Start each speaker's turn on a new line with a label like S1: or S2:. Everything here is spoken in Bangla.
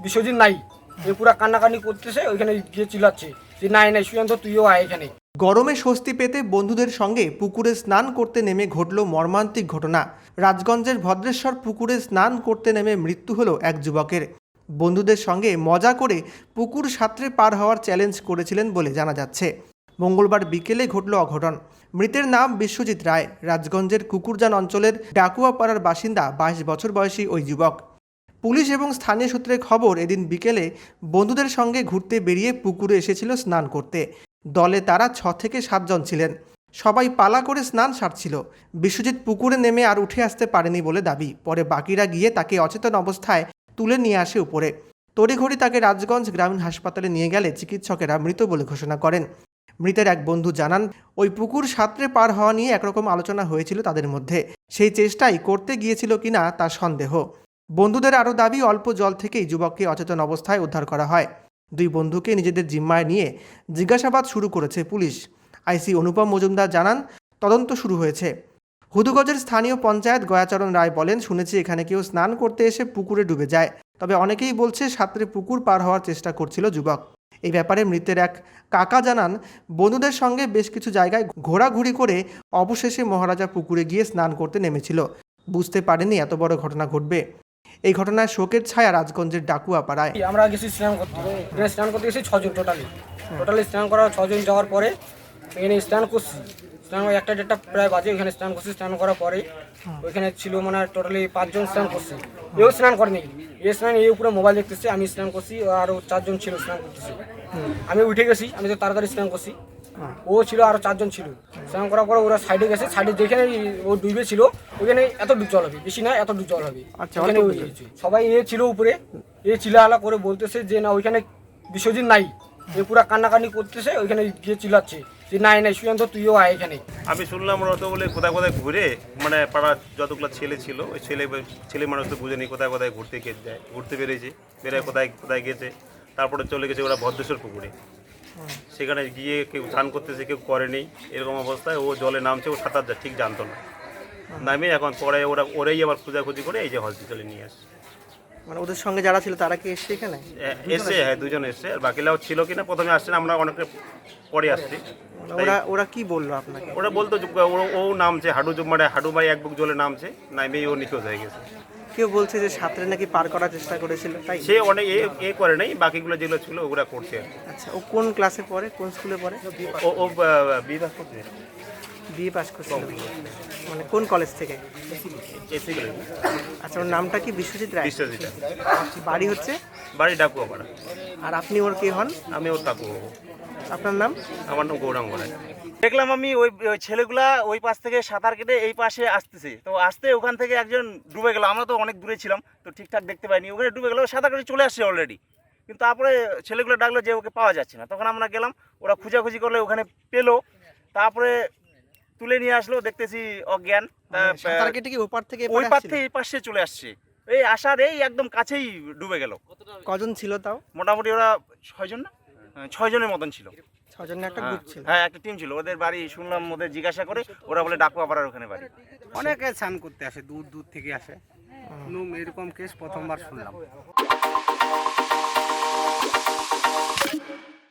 S1: বিশ্বজিৎ নাই, এ পুরা কান্নাকানি করতেছে, ওইখানে গিয়ে চিল্লাচ্ছে যে নাই নাই সুশান্ত তুইও আয় এখানে।
S2: গরমে স্বস্তি পেতে বন্ধুদের সঙ্গে পুকুরে স্নান করতে নেমে ঘটল মর্মান্তিক ঘটনা। রাজগঞ্জের ভদ্রেশ্বর পুকুরে স্নান করতে নেমে মৃত্যু হলো এক যুবকের। বন্ধুদের সঙ্গে মজা করে পুকুর সাঁতরে পার হওয়ার চ্যালেঞ্জ করেছিলেন বলে জানা যাচ্ছে। মঙ্গলবার বিকেলে ঘটল অঘটন। মৃতের নাম বিশ্বজিৎ রায়। রাজগঞ্জের কুকুরজান অঞ্চলের ডাকুয়াপাড়ার বাসিন্দা 22 বছর বয়সী ওই যুবক। পুলিশ এবং স্থানীয় সূত্রে খবর, এদিন বিকেলে বন্ধুদের সঙ্গে ঘুরতে বেরিয়ে পুকুরে এসেছিল স্নান করতে। দলে তারা 6 থেকে 7 জন ছিলেন। সবাই পালা করে স্নান সারছিল। বিশ্বজিৎ পুকুরে নেমে আর উঠে আসতে পারেনি বলে দাবি। পরে বাকিরা গিয়ে তাকে অচেতন অবস্থায় তুলে নিয়ে আসে উপরে। তড়িঘড়ি তাকে রাজগঞ্জ গ্রামীণ হাসপাতালে নিয়ে গেলে চিকিৎসকেরা মৃত বলে ঘোষণা করেন। মৃতের এক বন্ধু জানান, ওই পুকুর সাঁতরে পার হওয়া নিয়ে একরকম আলোচনা হয়েছিল তাদের মধ্যে। সেই চেষ্টাই করতে গিয়েছিল কিনা তার সন্দেহ। বন্ধুদের আরও দাবি, অল্প জল থেকেই যুবককে অচেতন অবস্থায় উদ্ধার করা হয়। দুই বন্ধুকে নিজেদের জিম্মায় নিয়ে জিজ্ঞাসাবাদ শুরু করেছে পুলিশ। আইসি অনুপম মজুমদার জানান, তদন্ত শুরু হয়েছে। হুদুগঞ্জের স্থানীয় পঞ্চায়েত গয়াচরণ রায় বলেন, শুনেছি এখানে কেউ স্নান করতে এসে পুকুরে ডুবে যায়। তবে অনেকেই বলছে সাঁতরে পুকুর পার হওয়ার চেষ্টা করছিল যুবক। এই ব্যাপারে মৃতের এক কাকা জানান, বন্ধুদের সঙ্গে বেশ কিছু জায়গায় ঘোরাঘুরি করে অবশেষে মহারাজা পুকুরে গিয়ে স্নান করতে নেমেছিল। বুঝতে পারেনি এত বড় ঘটনা ঘটবে। এই ঘটনায় শোকের ছায়া রাজগঞ্জের ডাকুয়াপাড়ায়।
S1: আমরা গেছি স্নান করতে, এখানে স্নান করতে গেছি 6 জন টোটালি স্নান করা 6 জন যাওয়ার পরে এখানে স্নান করছি। স্নান 1টা-1.5টা প্রায় বাজে, ওইখানে স্নান করছি। স্নান করার পরে ওইখানে ছিল মানে টোটালি 5 জন স্নান করছে। এও স্নান করেনি, এ স্নান এই উপরে মোবাইল দেখতেছে, আমি স্নান করছি, আরও 4 জন ছিল স্নান করতেছে। আমি উঠে গেছি, আমি তো তাড়াতাড়ি স্নান করছি। ও ছিল, আরও 4 জন ছিল। স্নান করার পরে ওরা সাইডে গেছে, সাইডে যেখানে ও ডুবে ছিল ওইখানে এত ডুব জল হবে, বেশি না এত ডুব জল হবে। ওখানে সবাই এ ছিল উপরে, এ চিল্লাহালা করে বলতেছে যে না ওইখানে বিশ্বজিৎ নাই, এ পুরা কান্নাকানি করতেছে, ওইখানে গিয়ে চিল্লাচ্ছে যে নাই নাই সুশান্ত তুইও আয় এখানে।
S3: আমি শুনলাম ওরা তো বলে কোথায় কোথায় ঘুরে, মানে পাড়ার যতগুলো ছেলে ছিল ওই ছেলে মানুষ তো বুঝেনি কোথায় কোথায় ঘুরতে বেরিয়েছে, বেরোয় কোথায় কোথায় গেছে। তারপরে চলে গেছে ওরা ভদ্রেশ্বর পুকুরে। সেখানে গিয়ে কেউ স্নান করতেছে, কেউ করেনি। এরকম অবস্থায় ও জলে নামছে, ও সাঁতার ঠিক জানতো না। নামে এখন পরে ওরাই আবার খোঁজাখুঁজি করে এই যে হসপিটালে নিয়ে আসে।
S2: মানে ওদের সঙ্গে যারা ছিল তারা কি এসছে এখানে?
S3: এসছে, হ্যাঁ 2 জন এসছে। আর বাকিরাও ছিল কিনা প্রথমে আসছে না, আমরা অনেকটা পরে আসছি।
S2: ওরা কি বললো আপনাকে?
S3: ওরা বলতো ও নামছে হাডু ভাই এক বুক জলে নামছে, নামেই ও নিখোঁজ হয়ে গেছে।
S2: কেউ বলছে যে সাঁতরে নাকি পার করার চেষ্টা করেছিল, তাই?
S3: সে অনেক এ করে নাই, বাকিগুলো যেগুলো ছিল ওগুলা করছে আর কি।
S2: আচ্ছা, ও কোন ক্লাসে পড়ে, কোন স্কুলে পড়ে?
S3: ও বিভাগ করছে,
S2: বিএ পাস করছে। মানে কোন কলেজ থেকে?
S3: এসি করে
S2: আচ্ছা, ওর নামটা কি? বিশ্বজিৎ রায়।
S3: বিশ্বজিৎ।
S2: বাড়ি হচ্ছে?
S3: বাড়ি ডাকুয়াপাড়া।
S2: আর আপনি ওর কে হন?
S3: আমি ওর কাকু হবো।
S2: আপনার নাম?
S3: আমার নাম গৌরাঙ্গ রায়।
S4: দেখলাম আমি ওই ছেলেগুলা ওই পাশ থেকে সাঁতার কেটে এই পাশে আসতেছে, তো আসতে ওখান থেকে একজন ডুবে গেল। আমরা তো অনেক দূরে ছিলাম, তো ঠিকঠাক দেখতে পাইনি। ওখানে ডুবে গেল, সাঁতার কেটে চলে আসছে অলরেডি। কিন্তু তারপরে ছেলেগুলো ডাকলো যে ওকে পাওয়া যাচ্ছে না। তখন আমরা গেলাম, ওরা খোঁজাখুঁজি করলে ওখানে পেলো। তারপরে তুলে নিয়ে আসলো, দেখতেছি অজ্ঞান।
S2: সাঁতার কেটে কি ওপার থেকে
S4: ওই পাশ থেকে এই পাশে চলে আসছে, এই আসার এই একদম কাছেই ডুবে গেল।
S2: কজন ছিল তাও?
S4: মোটামুটি ওরা 6 জন না 6 জনের মতন ছিল।
S2: 6 জনের একটা গ্রুপ ছিল।
S4: হ্যাঁ, একটা টিম ছিল। ওদের বাড়ি শুনলাম, ওদের জিজ্ঞাসা করে ওরা বলে ডাকুয়াপাড়ার ওখানে বাড়ি।
S5: অনেকে স্নান করতে আসে, দূর দূর থেকে আসে। এরকম কেস প্রথমবার শুনলাম।